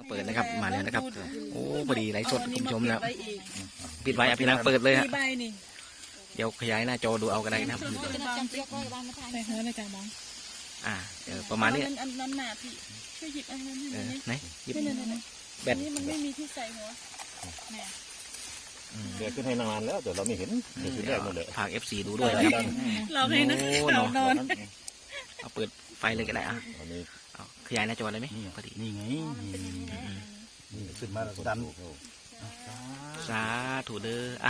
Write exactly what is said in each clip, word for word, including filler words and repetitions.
เปิดนะครับมาแล้วนะครับโอ้พอดีไลฟ์สดคุณผู้ชมแล้วปิดไว้อ่ะพี่นางเปิดเลยฮะเดี๋ยวขยายหน้าจอดูเอาก็ได้นะครับใส่หัวเลยจ้ะบ้องอ่าเออประมาณนี้อันนั้นหนาพี่ช่วยหยิบอันนั้นให้หน่อยไหนหยิบแบตนี่มันไม่มีที่ใส่หัวเนี่ยเดี๋ยวขึ้นให้นานแล้วเดี๋ยวเราไม่เห็นเห็นแรกหมดเลยฝากเอฟซีดูด้วยนะครับเราให้นะเรานอนเอาเปิดไฟเลยก็ได้อ่ะขยายหน้าจอเลยไหมพอดีนี่ไงนี่ขึ้นมาแล้วดันสาธุเด้ออ่ะ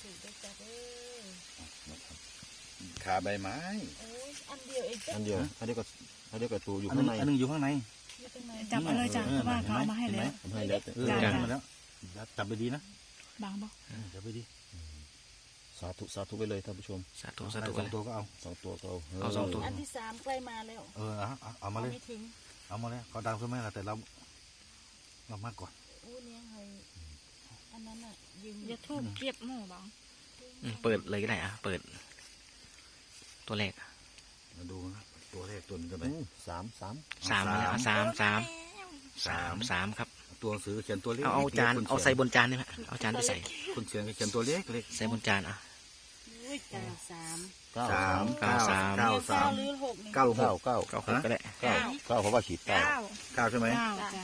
ขาใบไม้อันเดียวเองอันเดียวอันเดียวก็อันเดียวกับตัวอยู่ข้างในอันนึงอยู่ข้างในจับเอาเลยจ้ะเพราะว่าเขาเอามาให้แล้วให้แล้วจับมาแล้วจับไปดีนะบางบ่จับไปดีสาธุสาธุไปเลยท่านผู้ชมสาธุสาธุสองตัวก็เอาสองตัวก็เอาเอาสองตัวอันที่สามใกล้มาแล้วเออเอาเอามาเลยเอามาแล้วเขาดังขึ้นมาแล้วแต่เราเรามากก่อนโอ้เนี่ยไงอันนั้นอ่ะยืมจะทุบเก็บหม้อบางเปิดเลยก็ได้อ่ะเปิดตัวแรกมาดูนะตัวแรกตัวนี้จะไปสามสามสามมาแล้วสามสามสามสามครับตัวหนังสือเขียนตัวเล็กเอาจานเอาใส่บนจานได้ไหมเอาจานไปใส่คุณเขียนเขียนตัวเล็กเล็กใส่บนจานอ่ะสามสามเก้าสามเก้าสามเก้าหกเก้าเก้าหกก็ได้เก้าเก้าเพราะว่าขีดเก้าเก้าใช่ไหม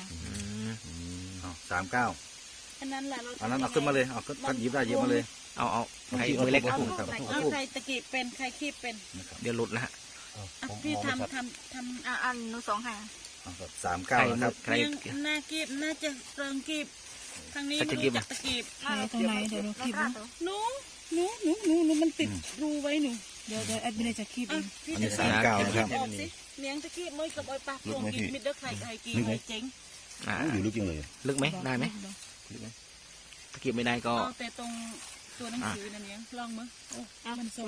สามเก้าอันนั้นแหละอันนั้นเอาขึ้นมาเลยเอาก็หยิบได้หยิบมาเลยเอาเอาใครมือเล็กเอาใครตะกี้เป็นใครคีบเป็นเดี๋ยวหลุดนะฮะพี่ทำทำทำอันนู้สองค่ะสามเก้านะครับใครหน้ากีบน่าจะเติมกีบทางนี้มันจับตะกีบตรงไหนเดี๋ยวเราคีบหนูหนูหนูหนูหนูมันติดรูไว้หนูเดี๋ยวเดี๋ยวแอดมินจะคีบเองอันนี้สามเก้านะครับเลี้ยงตะกีบไม่กับไอ้ปลาโป่งกีบมิดเด้อไข่ไข่กีบไข่เจ๋งอยู่ลึกจริงเลยลึกไหมได้ไหมตะกีบไม่ได้ก็แต่ตรงตัวหนังสือนั่นเองลองมั้ยโอ้มันโซ่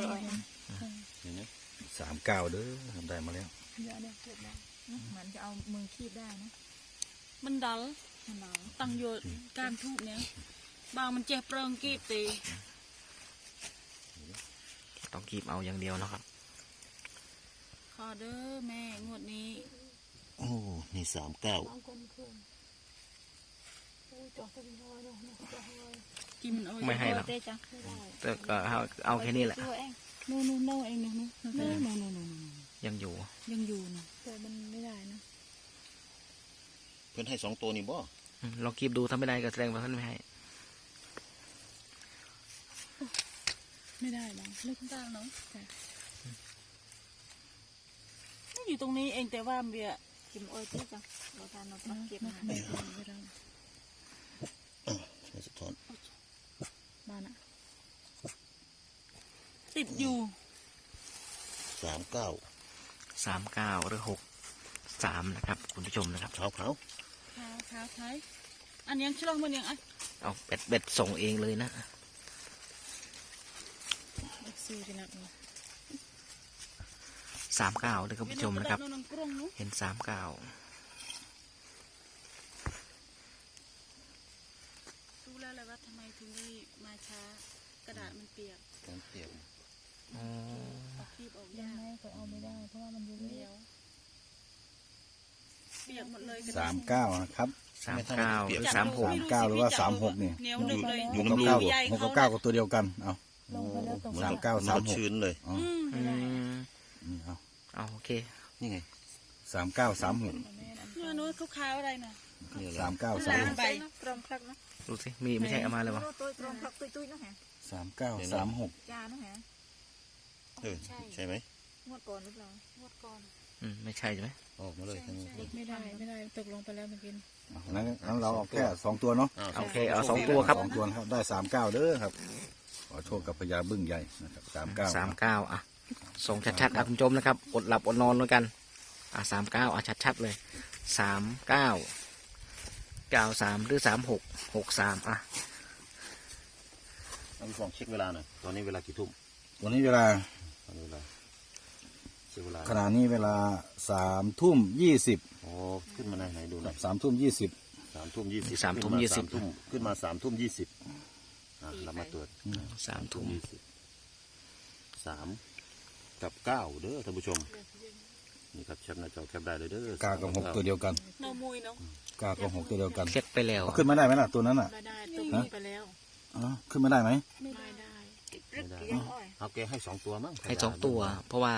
สามเก้าเด้อทำได้มาแล้วเดี๋ยวเดี๋ยวเกิดแล้วเหมือนจะเอามือคีบได้นะมันดัลมันดัลตั้งโยนการทุบเนี้ยบางมันเจ็บเริงกีบตีต้องกีบเอาอย่างเดียวนะครับขอเด้อแม่งวดนี้โอ้นี่สามเก้าไม่ให้หรอกแต่ก็เอาเอาแค่นี้แหละนู่นนู่นนู่นเองนู่นนู่นนู่นนู่นยังอยู่ยังอยู่นะแต่มันไม่ได้นะเพื่อนให้สองตัวนี่บ่ลองคีบดูถ้าไม่ได้ก็แสดงว่าท่านไม่ให้ไม่ได้หรอเลิกได้เนาะอยู่ตรงนี้เองแต่ว่าเบียกิมโอ้ยเจ๊จังเราทานเราต้องเก็บมาไม่ได้ไม่ได้สะท้อนบ้านอะติดอยู่สามเก้าสามเก้าหรือหกสามนะครับคุณผู้ชมนะครับเท้าเขาเท้าเท้าไทยอันยังชลองมันยังอ่ะเอาเบ็ดเบ็ดส่งเองเลยนะซื้อกันนะสามเก้าเลยคุณผู้ชมนะครับเห็นสามเก้ารู้แล้วเลยว่าทำไมถึงได้มาช้ากระดาษมันเปียกเปียกอ๋อคีบออกยากก็เอาไม่ได้เพราะว่ามันยุ่งเหนียวเปียกหมดเลยสามเก้านะครับสามเก้าหรือสามหกเก้าหรือว่าสามหกเนี่ยอยู่กับเก้าหกกับเก้าก็ตัวเดียวกันเอาสามเก้าสามหกชื้นเลยอ๋อเอาเอาโอเคนี่ไงสามเก้าสามหกเนื้อนู้นเขาขาวอะไรนะสามเก้าสามหกดูสิมีไม่ใช่เอามาเลยวะสามเก้าสามหกเออใช่ไหมงวดก่อนหรือเปล่างวดก่อนอืมไม่ใช่ใช่ไหมออกมาเลยไม่ได้ไม่ได้ตกลงไปแล้วเมื่อกี้นั้นนั้นเราเอาแค่สองตัวเนาะโอเคเอาสองตัวครับสองตัวครับได้สามเก้าเด้อครับขอโชคกับพญาบึ้งใหญ่นะครับสามเก้าสามเก้าอ่ะส่งชัดๆอ่ะคุณผู้ชมนะครับอดหลับอดนอนด้วยกันอ่ะสามเก้าอ่ะชัดๆเลยสามเก้าเก้าสามหรือสามหกหกสามอ่ะต้องลองเช็คเวลาหน่อยตอนนี้เวลากี่ทุ่มวันนี้เวลาตอนนี้เวลาเช็คเวลาขณะนี้เวลาสามทุ่มยี่สิบอ๋อขึ้นมาไหนไหนดูหน่อยสามทุ่มยี่สิบสามทุ่มยี่สิบสามทุ่มยี่สิบขึ้นมาสามทุ่มยี่สิบเรามาตรวจสามทุ่มยี่สิบสามกับเก้าเด้อท่านผู้ชมนี่ครับแคปหน้าจอแคปได้เลยเด้อกากับหกตัวเดียวกันเนามุยเนาะกากับหกตัวเดียวกันเช็คไปแล้วเอาขึ้นมาได้ไหมล่ะตัวนั้นอ่ะไม่ได้ตัวนี้ไปแล้วอ๋อขึ้นมาได้ไหมไม่ได้ไม่ได้เอาแกให้สองตัวมั้งให้สองตัว เพราะว่า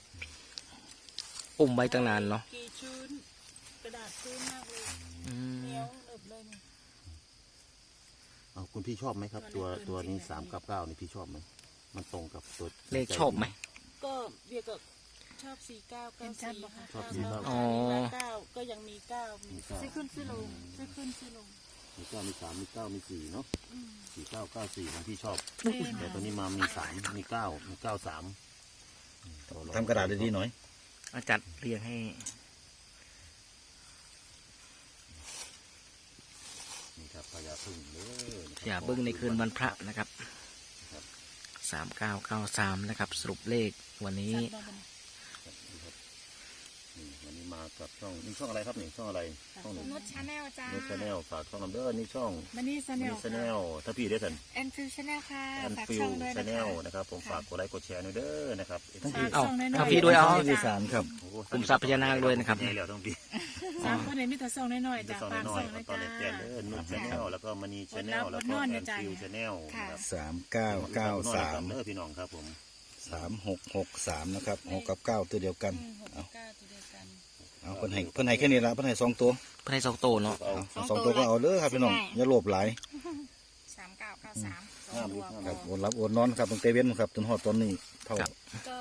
อุ้มไว้ตั้งนานเนาะกี่ชื้นกระดาษชื้นมากเลยอืมเหนียวเอิบเลยนี่เอาคุณพี่ชอบไหมครับ ตัวตัวนี้สามกับเก้านี่พี่ชอบไหมมันตรงกับตัวเลขชอบไหมก็เบียร์ก็ชอบสี่เก้าเก้าสี่ค่ะชอบสี่เก้าอ๋อเก้าก็ยังมีเก้ามีมีเก้าซื้อขึ้นซื้อลงซื้อขึ้นซื้อลงมีเก้ามีสามมีเก้ามีสี่เนาะอืมสี่เก้าเก้าสี่ของพี่ชอบแม่แต่ตัวนี้มามีสามมีเก้ามีเก้าสามทำกระดาษดีๆหน่อยอาจารย์เรียงให้นี่ครับพญาพึ่งเด้ออย่าเบิ้งในคืนวันพระนะครับสามเก้าเก้าสามนะครับ สรุปเลขวันนี้สั่งมาบ่เนี่ยนี่วันนี้มากับช่องนี่ช่องอะไรครับนี่ช่องอะไรช่องหนึ่งนุชชาแนลจ้านุชแนลฝากช่องนำเด้อนี่ช่องมันนี่ซะแนนุวชแนลถ้าพี่ได้สันแอนฟิวชาแนลค่ะแอนฝากฟิช่ลองด้วยชานะแนคะลนะครับผมฝากกดไลค์กดแชร์หน่อยเด้อนะครับฝากเอ้าส่งน้อยถ้าๆพี่ด้วยเอาที่ที่สามครับโอ้โหกลุ่มทรัพย์พญานาคด้วยนะครับใหญ่แล้วต้องพี่สามคนเนี่ยมีแต่ส่งน้อยๆจะจ้ะสอนฝากน้อส่ยงนะๆตอนจ้าแรกๆเด้อนุชชาแนลแล้วก็มณีชาแนลแล้วก็อดแอรับนอดนอนฟิลเนี่ยชาแนลนะครับสามเก้าเก้าสามเด้อพี่น้องครับผมสามหกหกสามนะครับหกกับเก้าตัวเดียวกันอืมหกกับเก้าตัวเดียวกันเอาเพิ่นให้เพิ่นให้แค่นี้ละเพิ่นให้สองตัวเพื่อให้สองโตเนาะเอาเอาสองตัวก็เอาเด้อครับพี่น้องอย่าโลภหลายสามเก้าเก้าสามสองห้ามตัลูวกห้ามคลูรับกโอนรับโอนนอนครับตั้งแต่เว้นครับจนฮอดตอนนี้เท่าครับก็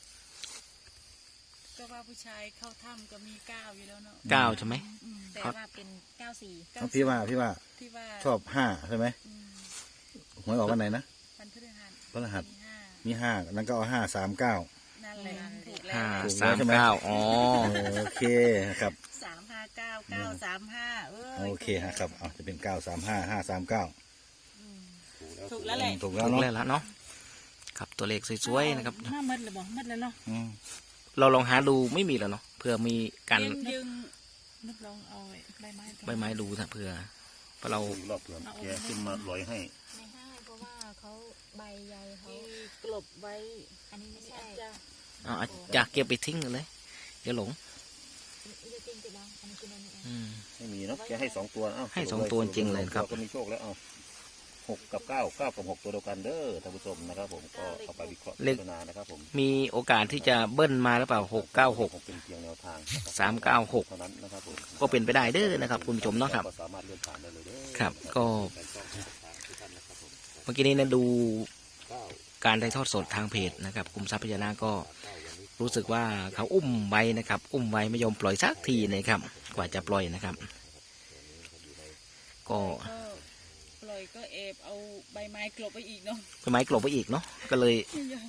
ก็ว่าผู้ชายเข้าถ้ำก็มีเก้าอยู่แล้วเนาะเก้าใช่ไหมอืมแต่ว่าเป็นเก้าสี่เอาพี่ว่าพี่ว่าที่ว่าชอบห้าใช่ไหมอืมหวยออกวันไหนนะวันพฤหัสพฤหัสมีห้ามีห้านั้นก็เอาห้าสามเก้านั่นแหละถูกแล้วห้าถูกสามแล้วใช่ไหมเก้าอ๋อโอเคครับสามห้าเก้าเก้าสามห้าเอ้ยโอเคฮะครับเอาจะเป็นเก้าสามห้าห้าสามเก้าอืมถูกแล้วแหละถูกแล้วถูกเนาะแล้วละเนาะครับตัวเลขสวยๆนะครับห้ามัดเลยบอกมัดแล้วเนาะอืมเราลองหาดูไม่มีแล้วเนาะเผื่อมีกันยึงยึงนึกลองเอาไอ้ใบไม้ตรงใบไม้ดูนะเผื่อเพราะเราอีกรอบเผื่อแกขึ้นมาลอยให้ไม่ให้เพราะว่าเขาใบใยเขาที่กลบไว้อันนี้ไม่นี่ใช่อาจจะเอาอาจจะเก็บไปทิ้งเลยเดี๋ยวหลงอีกจริงติดแล้วอันนี้คืออันนี้เองอืมไม่มีเนาะแกให้สองตัวเอ้าให้สองตัวจริงเลยครับก็มีโชคแล้วเอาหกกับเก้าเก้ากับหกตัวเดียวกันเด้อท่านผู้ชมนะครับผมก็เอาไปวิเคราะห์พิจารณานะครับผมมีโอกาสที่จะเบิ้ลมาหรือเปล่าหกเก้าหกเป็นเพียงแนวทางนะครับสามเก้าหกเท่านั้นนะครับผมก็เป็นไปได้เด้อนะครับคุณผู้ชมเนาะครับก็สามารถเลื่อนผ่านได้เลยเด้อครับก็แฟนช่องทุกท่านนะครับผมเมื่อกี้นี้นะดูเก้าการถ่ายทอดสดทางเพจนะครับกลุ่มทรัพย์พญานาคก็รู้สึกว่าเขาอุ้มไว้นะครับ อุ้มไว้ไม่ยอมปล่อยสักทีนะครับ กว่าจะปล่อยนะครับ ก็ก็ปล่อยก็เอบเอาใบไม้กลบไปอีกเนาะใบไม้กลบไปอีกเนาะก็เลยไม่ยอม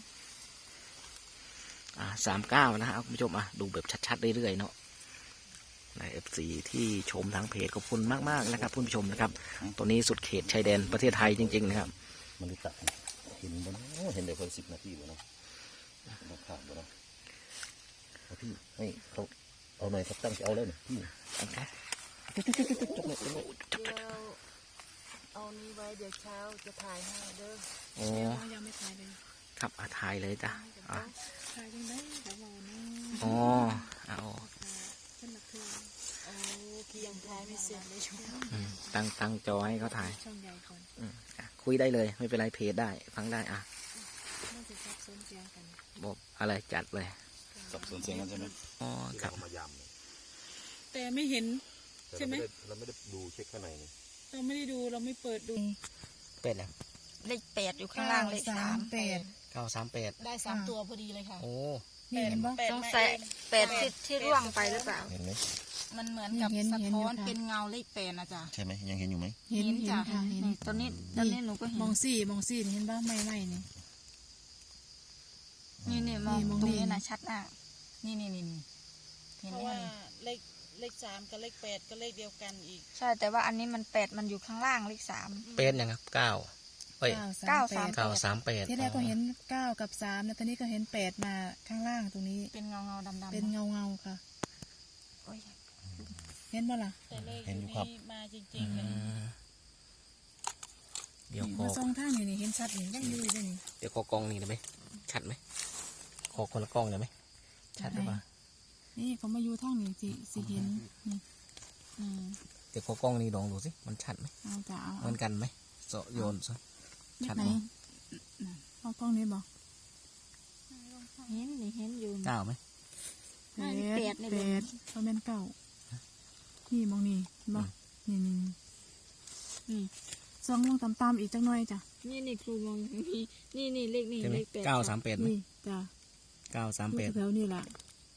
อ่าสามเก้านะฮะคุณผู้ชมอ่ะดูแบบชัดๆเรื่อยๆเนาะในเอฟซีที่ชมทางเพจขอบคุณมากๆนะครับคุณผู้ชมนะครับตัวนี้สุดเขตชายแดนประเทศไทยจริงๆนะครับมันรู้จักเห็นบนเห็นเดี๋ยวคนสิบนาทีบ่เนาะราคาบ่เนาะเอาพี่ให้เขาเอาหน่อยครับตั้งใจเอาเลยหน่อยพี่เดี๋ยวเอานี้ไว้เดี๋ยวเช้าจะถ่ายให้เด้อโอ้ยังไม่ถ่ายเลยครับอาถ่ายเลยจ้ะอ่ะถ่ายยังไงเดี๋ยวบอกนะอ๋อเอาขึ้นมาคือโอ้พี่ยังถ่ายไม่เสร็จเลยช่วงอืมตั้งตั้งจอให้เขาถ่ายช่องใหญ่ก่อนอืมอ่ะคุยได้เลยไม่เป็นไรเพจได้ฟังได้อ่ะน่าจะซับซ้อนเสียงกันบอกอะไรจัดเลยสับสนเสียงกันใช่ไหมอ๋อครับเอามายำเลยแต่ไม่เห็นแต่ใช่ไหมเราไม่ได้ดูเช็คข้างในนี่เราไม่ได้ดูเราไม่เปิดดูเป็ดแล้วเลขแปดอยู่ข้างล่างเลขสามแปดเก้าสามแปดได้สามตัวพอดีเลยค่ะโอ้นี่เห็นปะสงสัยแปดที่ที่ร่วงไปหรือเปล่าเห็นไหมมันเหมือนกับเห็นสะเห็นท้อนอยู่ค่ะเป็นเงาเลขแปดนะจ๊ะใช่ไหมยังเห็นอยู่ไหมเห็นเห็นจ้ะค่ะเห็นนี่ตอนนี้ตอนนี้หนูก็เห็นมองสี่มองสี่เห็นปะไม่ไม่นี่นี่นี่มองนี่มองตรงนี่นี้นะชัดมากนี่นี่นี่นี่เห็นเพไหมราะว่าคะนี่เลขเลขสามกับเลขแปดก็เลขเดียวกันอีกใช่แต่ว่าอันนี้มันแปดมันอยู่ข้างล่างเลขสามเป็ดยังครับเก้าเอ้ยเก้าสามเก้าสามแปดที่แรกก็เห็นเก้ากับสามแล้วตอนนี้ก็เห็นแปดมาข้างล่างตรงนี้เป็นเงาเงาดำดำเป็นเงาเงาๆค่ะโอ้ยเห็นบ่ล่ะเห็นอยู่ครับมาจริอืงๆเลยมเดี๋ยวขอมาซองท่างนี่นี่เห็นชัดนี่ยังอยู่เลยนี่เดี๋ยวขอกล้องนี่ได้ไหมชัดไหมขอคนละกล้องได้ไหมชัดหรือเปล่านี่เขามาอยู่ทางนี้สิสิเห็นนี่อืมเดี๋ยวขอกล้องนี้ลองดูสิมันชัดไหมเอาจะเอาเหมือนกันไหมโซโยนซะชัดไหนไหมเอากล้องนี้บอกเห็นนี่เห็นอยู่เก้าไหมแปแปดดนี่แปบ่ดเขาเป็นเก้านี่มองนี่บอกนี่นี่นี่ซองลงตามๆอีกจังหน่อยจ้ะนี่นี่ครูมองนี่นี่นี่เลขนี่ใช่ไหมเลขแปดเก้าสามแปดไหมนี่จ้ะเก้าสามอแปดยู่แถวนี่แหละ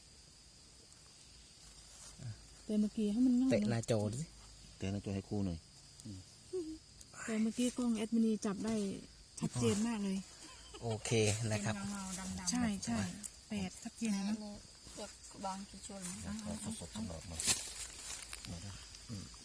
แต่เมื่อกี้ให้มันง่ายเตะหเนน้าอะจอดูสิเตือนนะจอยให้ครูหน่อยแต่เมื่อกี้กล้องแอดมินีจับได้ชัดเจนมากเลยโอเคนะครับเงาๆดำๆใช่ใช่แปดชัดเจนอันนะนี้จะบางกี่ชนเอาสดๆสำหรับมามาได้อืม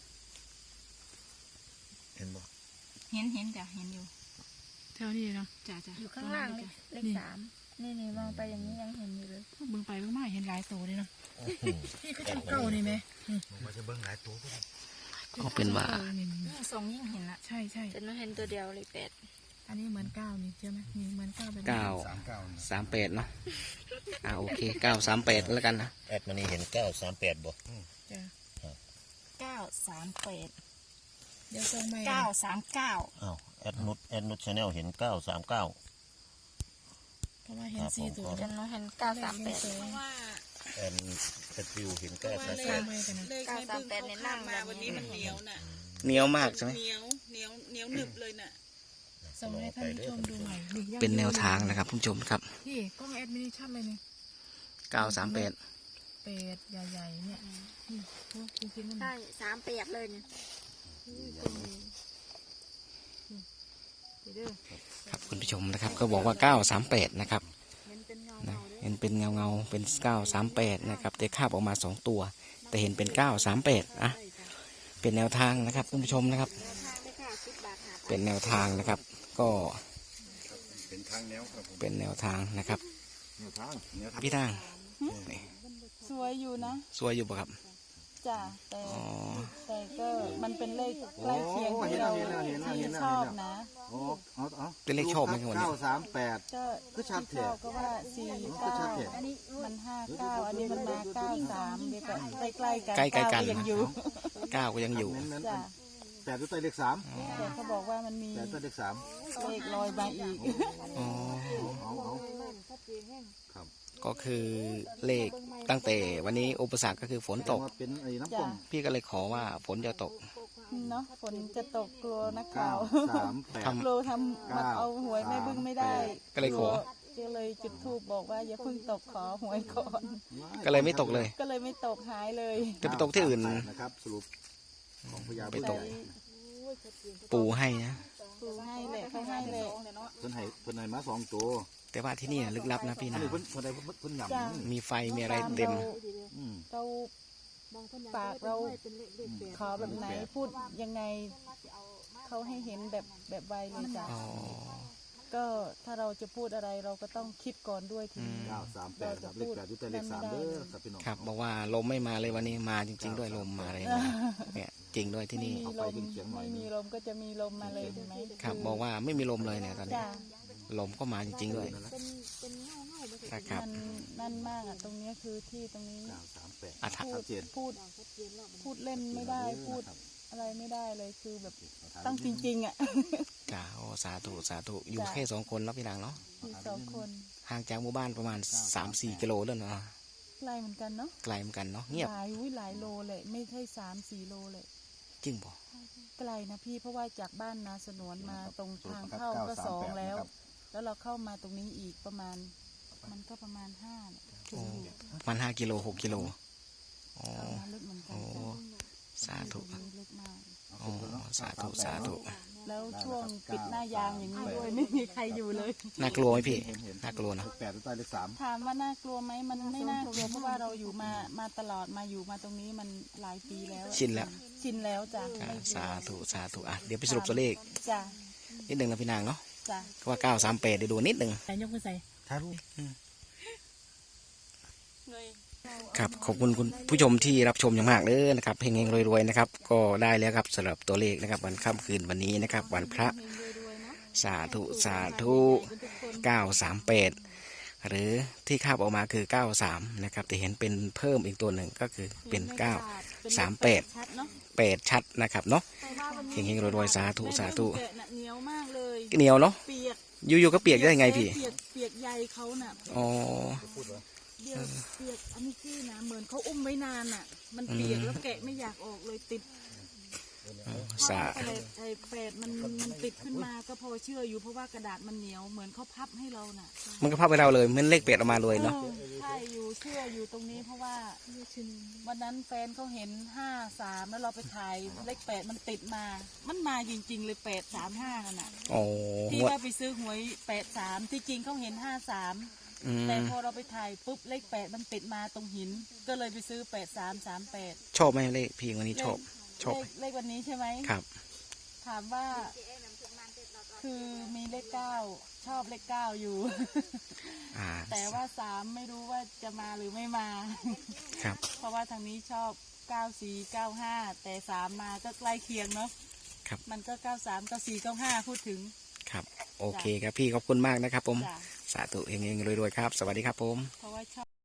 เห็นบ่เห็นเห็นจ้ะเห็นอยู่แถวนี้เนาะจ้ะจ้ะอยู่ข้างล่างเลขเลขสามนี่นี่มองไปอย่างนี้ยังเห็นอยู่เลยเบิ่งไปเบิ่งมาเห็นหลายตัวเลยเนาะนี่คือจังเก่านี่ไหมมันจะเบิ้งหลายตัวก็ได้ก็เป็นว่าออนี่นี่นี่ทรงยิ่งเห็นละใช่ใช่แต่หนูเห็นตัวเดียวเลขแปดอันนี้เหมือนเก้านี่ใช่ไหมนี่เหมือนเก้าแบบนี้เก้าสามเก้าสามแปดเนาะอ่าโอเคเก้าสามแปดแล้วกันนะแอดมันนี่เห็นเก้าสามแปดบ่จ้ะเก้าสามแปดเดี๋ยวส่งใหม่เก้าสามเก้าอ้าวแอดนุชแอดนุชชาแนลเห็นเก้าสามเก้าเพราะว่าเห็นสี่ตัวแต่หนูเห็นเก้าสามแปดเพราะว่าแอนสติวเห็นเก้าสามเลแปขดไม่กันนะเลขในบึ้งเขาข้ามมาวันนี้มันเหนียวน่ะเหนียวมากใช่ไหมเหนียวเหนียวเหนียวหนึบเลยน่ะส่งให้ท่านผู้ชมดูใหม่นี่ยังเป็นแนวทางนะครับคุณผู้ชมครับนี่กล้องแอดมินิชัดเลยนี่เก้าสามแปดเป็ดใหญ่ๆเนี่ยนี่โอ้จริงๆมันใช่สามแปดเลยเนี่ยเด้อครับคุณผู้ชมนะครับก็บอกว่าเก้าสามแปดนะครับเห็นเป็นเงานะเงาเด้อเห็นเป็นเงาเงาๆเป็นเก้าสามแปดนะครับแต่คาบออกมาสองตัว แต่เห็นเป็นเก้าสามแปดอ่ะเป็นแนวทางนะครับคุณผู้ชมนะครับ เป็นแนวทางนะครับ ก็เป็นทางแนวครับผมเป็นแนวทางนะครับแนวทางแนวทางพี่ทางนี่สวยอยู่นะสวยอยู่ปะครับจ้ะแต่อ๋อแต่ก็มันเป็นเลขใกล้เคียงที่เราที่ชอบนะโอ้เอาเอาเป็นเลขชอบไหมครับวันนี้เก้าสามแปดก็ก็ชัดที่แท้ชอบก็ว่าสี่ก็เก้าชัดแท้มันห้าเก้าอันนี้มันมาเก้าสามเดี๋ยวก็ใกล้ๆกันใกล้ๆกันเายังอยู่เก้าก็ยังอยู่เน้นจ้ะๆแปดตัวใต้เลขสามแต่เขาบอกว่ามันมีแปดตัวเลขสามเลขลอยมาอีกอ๋อเอาเอาครับก็คือเลขตั้งแต่วันนี้อุปสรรคก็คือฝนตกว่าเป็นไอ้น้ำจ้ะป่งพี่ก็เลยขอว่าฝนจะตกเนาะฝนจะตกกลัวนักเก้าข่าวสามแปดทำกลัวทำมาเอาหวยแม่บึ้งไม่ได้ก็เลยขอก็เลยจุดธูปบอกว่าอย่าเพิ่งตกขอหวยก่อนก็เลยไม่ตกเลยก็เลยไม่ตกหายเลยจะไปตกที่อื่นนะครับสรุปของพญาไปบึ้งตก ปูให้นะปูให้แหละเขาให้แหละเพิ่นให้เพิ่นให้มาสองตัวแต่ว่าที่นี่ลึกลับนะพี่อันนะนี้เพิ่นเพิ่นได้เพิ่นเพิ่นหยำจ้ะมีไฟมีอะไรเต็มอืมเราปากเราขอแบบไหนพูดยังไงเขาให้เห็นแบบแบบไวเลยจ้ะอ๋อก็ถ้าเราจะพูดอะไรเราก็ต้องคิดก่อนด้วยทีนี้เก้าสามแปดครับเลขแปดอยู่ใต้เลขสามเด้อครับพี่น้องครับบอกว่าลมไม่มาเลยวันนี้มาจริง ๆ ด้วยลมมาเลยนะเนี่ยจริงด้วยที่ไม่นี่มีลมไม่มีลมก็จะมีลมมาเลยเห็นไหมครับบอกว่าไม่มีลมเลยเนี่ยตอนนี้จ้ะลมก็มาจริง ๆ ด้วยนะครับมันนั่นมากอ่ะตรงเนี้ยคือที่ตรงนี้เก้าสามแปดอาถรรพูพ์ดชัดเจนพูดพูดเล่นไม่ได้พูดอะไรไม่ได้เลยคือแบบต้องจริงๆอ่ะจ้าโอ้สาธุสาธุอยู่แค่สองคนเนาะพี่นางเนาะมีสองคนห่างจากหมู่บ้านประมาณสามสี่กิโลแล้วเนาะไกลเหมือนกันเนาะไกลเหมือนกันเนาะเงียบหลายอุ้ยหลายโลเลยไม่ใช่สามสี่โลเลยจริงป่ะไกลนะพี่เพราะว่าจากบ้านนาสนวนมาตรงทางเข้าก็สองแล้ว แล้วเราเข้ามาตรงนี้อีกประมาณ มันก็ประมาณห้าเนี่ยถึงอยู่ประมันห้ากิโลหกกิโลอ๋อเข้ามาลึกเหมือนกันโอ้สาธุตรงนี้ลึกมากอ๋อสาธุสาธุแล้วช่วงปิดหน้ายางอย่างนี้ด้วยไม่มีใครอยู่เลยน่ากลัวไหมพี่เห็นเห็นน่ากลัวนะแปดตัวใต้เลขสามถามว่าน่ากลัวไหมมันไม่น่ากลัวเพราะว่าเราอยู่มามาตลอดมาอยู่มาตรงนี้มันหลายปีแล้วชินแล้วชินแล้วจ้ะอ่าไม่กลัวสาธุสาธุอ่ะเดี๋ยวไปสรุปตัวเลขจ้ะนิดหนึ่งนะพี่นางเนาะจ้ะก็ว่าเก้าสามแปดเดี๋ยวดูนิดหนึ่งใส่ยกมือใส่ถ่ายรูปครับขอบคุณคุณผู้ชมที่รับชมอย่างมากเลยนะครับเฮงๆรวยๆนะครับ ก็ได้แล้วครับสำหรับตัวเลขนะครับวันค่ำคืนวันนี้นะครับ วันพระสาธุสาธุเก้าสามแปดหรือที่คาบออกมาคือเก้าสามนะครับแต่เห็นเป็นเพิ่มอีกตัวหนึ่งก็คือเป็นเก้าสามแปดชัดเนาะแปดชัดนะครับเนาะแต่ว่าวันนี้เฮงๆรวยๆสาธุสาธุแม่เบิ่งแกะน่ะเหนียวมากเลยเหนียวเนาะเปียกอยู่ๆก็เปียกได้ไงพี่เปียกเปียกใยเขาน่ะอ๋อเดี๋ยวเปียกอันนี้กี้นะเหมือนเขาอุ้มไว้นานน่ะ มันเปียกแล้วแกะไม่อยากออกเลยติดสาอะไรไอ้แปดมันมันติดขึ้นมาก็พอเชื่ออยู่เพราะว่ากระดาษมันเหนียวเหมือนเขาพับให้เราน่ะมันก็พับไปเราเลยเหมันเลขเป็ดออกมาเลยเนาะออใช่อยู่เชื่ออยู่ตรงนี้เพราะว่าวันนั้นแฟนเขาเห็นห้าสามแล้วเราไปถ่ายเลขแปดมันติดมา มันมาจริง ๆ เลยแปดสามห้านั่นน่ะอ๋อที่ว่าไปซื้อหวยแปดสามที่จริงเขาเห็นห้าสามอืมแต่พอเราไปถ่ายปุ๊บเลขแปดมันติดมาตรงหิน ก็เลยไปซื้อแปดสามสามแปดชอบไหมเลขพี่วันนี้ชอบชอบเลขเลขวันนี้ใช่ไหมครับถามว่า คือมีเลขเก้าชอบเลขเก้าอยู่อ่าแต่ว่าสามไม่รู้ว่าจะมาหรือไม่มาครับเพราะว่าทางนี้ชอบเก้าสี่เก้าห้าแต่สามมาก็ใกล้เคียงเนาะครับมันก็เก้าสามเก้าสี่เก้าห้าพูดถึงครับโอเคครับพี่ขอบคุณมากนะครับผมจ้ะสาธุเฮงๆรวยๆครับ สวัสดีครับผมเพราะว่าชอบ